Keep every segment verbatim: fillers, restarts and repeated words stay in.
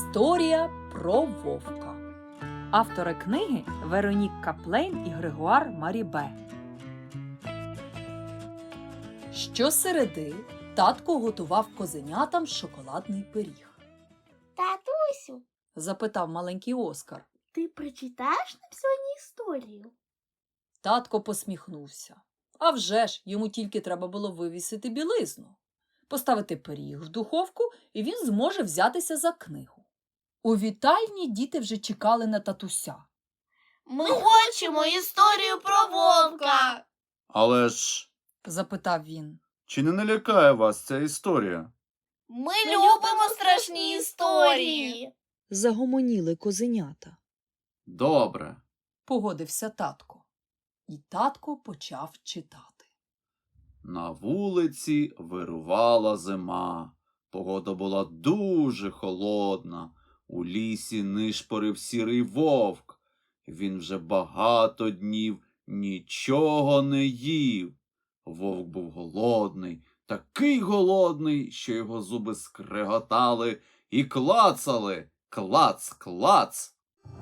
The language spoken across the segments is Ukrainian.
Історія про вовка. Автори книги Веронік Каплейн і Грегуар Марібе. Щосереди татко готував козенятам шоколадний пиріг. Татусю, Запитав маленький Оскар. ти прочитаєш нам сьогодні історію? Татко посміхнувся. А вже ж, йому тільки треба було вивісити білизну, поставити пиріг в духовку, і він зможе взятися за книгу. У вітальні діти вже чекали на татуся. Ми хочемо історію про вовка. Але ж, Запитав він. чи не налякає вас ця історія? Ми любимо страшні історії. Загомоніли козенята. Добре. Погодився татко. І татко почав читати. На вулиці вирувала зима. Погода була дуже холодна. У лісі нишпорив сірий вовк. Він вже багато днів нічого не їв. Вовк був голодний, такий голодний, що його зуби скреготали і клацали. Клац, клац.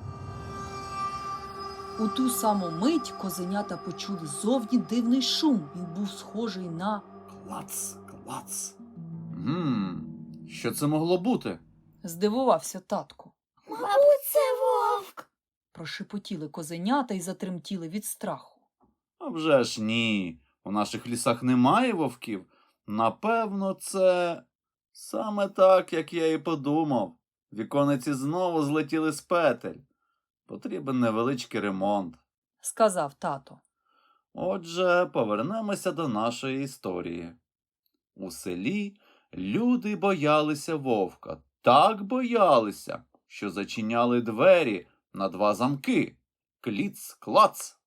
У ту саму мить козенята почули ззовні дивний шум. Він був схожий на... Клац, клац. Гм, що це могло бути? Здивувався татко. Мабуть, це вовк. Прошепотіли козенята і затремтіли від страху. А вже ж ні. У наших лісах немає вовків. Напевно, це саме так, як я і подумав. Вікониці знову злетіли з петель. Потрібен невеличкий ремонт. Сказав тато. Отже, повернемося до нашої історії. У селі люди боялися вовка. Так боялися, що зачиняли двері на два замки. Кліц-клац.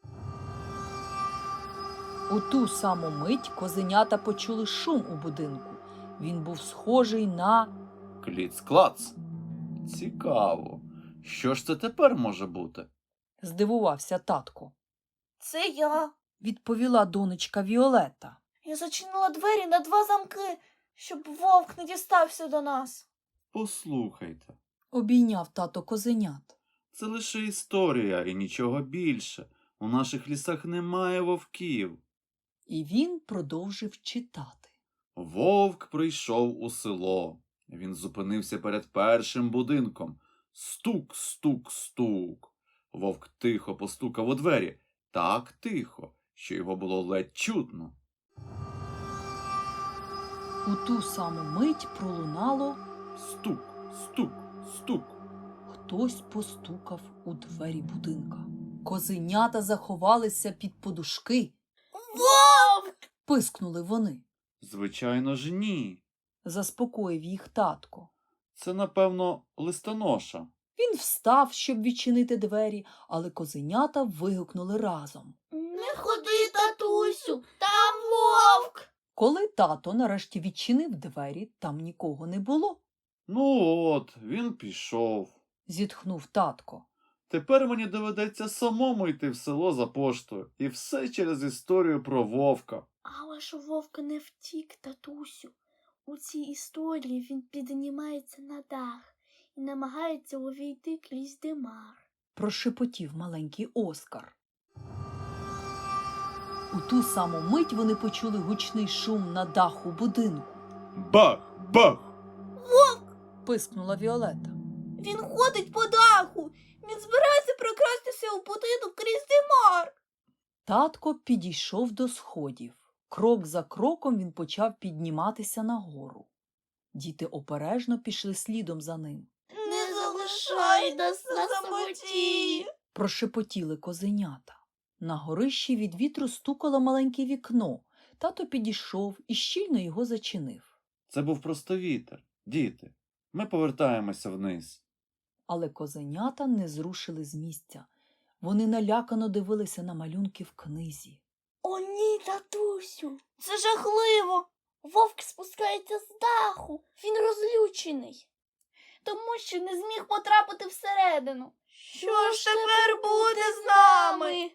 У ту саму мить козенята почули шум у будинку. Він був схожий на... Кліц-клац. Цікаво. Що ж це тепер може бути? Здивувався татко. Це я. Відповіла донечка Віолетта. Я зачинила двері на два замки, щоб вовк не дістався до нас. Послухайте, Обійняв тато козенят. це лише історія і нічого більше. У наших лісах немає вовків. І він продовжив читати. Вовк прийшов у село. Він зупинився перед першим будинком. Стук, стук, стук. Вовк тихо постукав у двері. Так тихо, що його було ледь чутно. У ту саму мить пролунало... Стук, стук, стук. Хтось постукав у двері будинка. Козенята заховалися під подушки. Вовк! Пискнули вони. Звичайно ж ні. Заспокоїв їх татко. Це, напевно, листоноша. Він встав, щоб відчинити двері, але козенята вигукнули разом. Не ходи, татусю, там вовк. Коли тато нарешті відчинив двері, там нікого не було. Ну от, він пішов. Зітхнув татко. Тепер мені доведеться самому йти в село за поштою. І все через історію про вовка. Але ж у вовка не втік, татусю. У цій історії він піднімається на дах і намагається увійти крізь димар. Прошепотів маленький Оскар. У ту саму мить вони почули гучний шум на даху будинку. Бах! Бах! Пискнула Віолетта. Він ходить по даху. Він збирається прокрастися у будинок крізь димар. Татко підійшов до сходів. Крок за кроком він почав підніматися нагору. Діти обережно пішли слідом за ним. Не залишай нас на самоті. Прошепотіли козенята. На горищі від вітру стукало маленьке вікно. Тато підійшов і щільно його зачинив. Це був просто вітер. Діти, ми повертаємося вниз. Але козенята не зрушили з місця. Вони налякано дивилися на малюнки в книзі. О ні, татусю, це жахливо. Вовк спускається з даху. Він розлючений, тому що не зміг потрапити всередину. Що ж тепер буде з нами?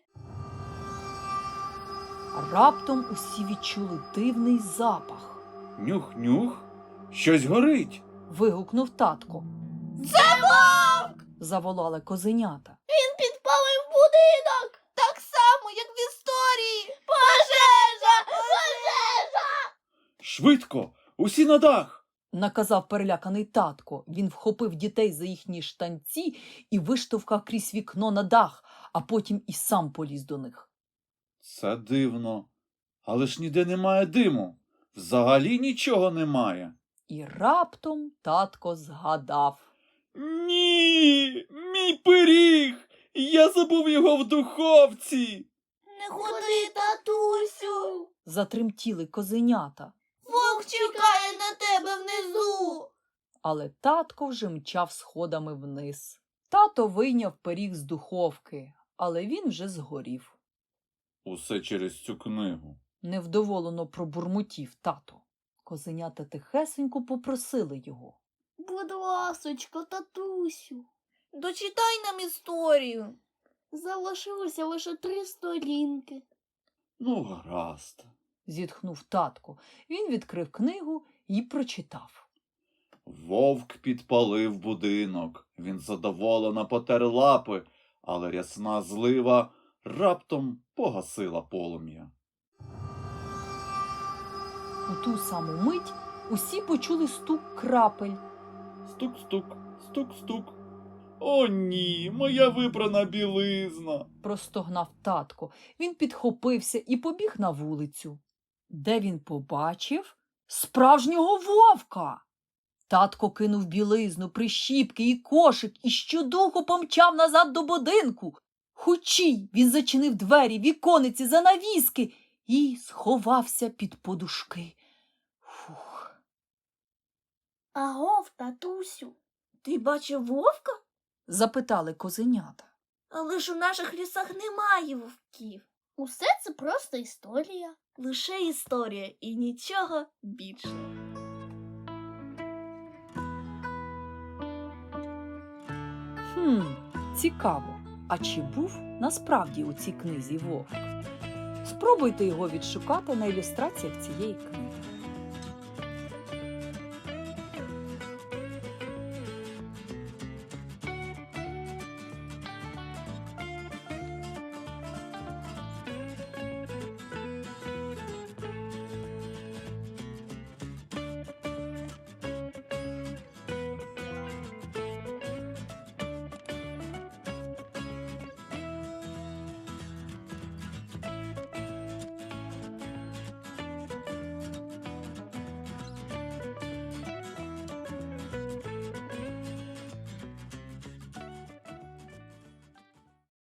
Раптом усі відчули дивний запах. Нюх-нюх, щось горить. Вигукнув татко. Це вовк! Заволали козенята. Він підпалив будинок! Так само, як в історії! Пожежа! Пожежа! Швидко! Усі на дах! Наказав переляканий татко. Він вхопив дітей за їхні штанці і виштовхав крізь вікно на дах, а потім і сам поліз до них. Це дивно. Але ж ніде немає диму. Взагалі нічого немає. І раптом татко згадав. Ні, мій пиріг! Я забув його в духовці. Не ходи, татусю! Затремтіли козенята. Вовк чекає на тебе внизу! Але татко вже мчав сходами вниз. Тато вийняв пиріг з духовки, але він вже згорів. Усе через цю книгу. Невдоволено пробурмотів тато. Козенята тихесенько попросили його. Будь ласочка, татусю, дочитай нам історію. Залишилося лише три сторінки. Ну, гаразд. Зітхнув татко. Він відкрив книгу і прочитав. Вовк підпалив будинок. Він задоволено потер лапи, але рясна злива раптом погасила полум'я. У ту саму мить усі почули стук крапель. Стук-стук, стук-стук. О, ні, моя випрана білизна. Простогнав татко. Він підхопився і побіг на вулицю, де він побачив справжнього вовка. Татко кинув білизну, прищіпки і кошик і щодуху помчав назад до будинку. Хучій він зачинив двері, вікониці, занавіски і сховався під подушки. Фух. Агов, татусю, ти бачив вовка? Запитали козенята. Але ж у наших лісах немає вовків. Усе це просто історія. Лише історія і нічого більше. Хм, цікаво. А чи був насправді у цій книзі вовк? Спробуйте його відшукати на ілюстраціях цієї книги.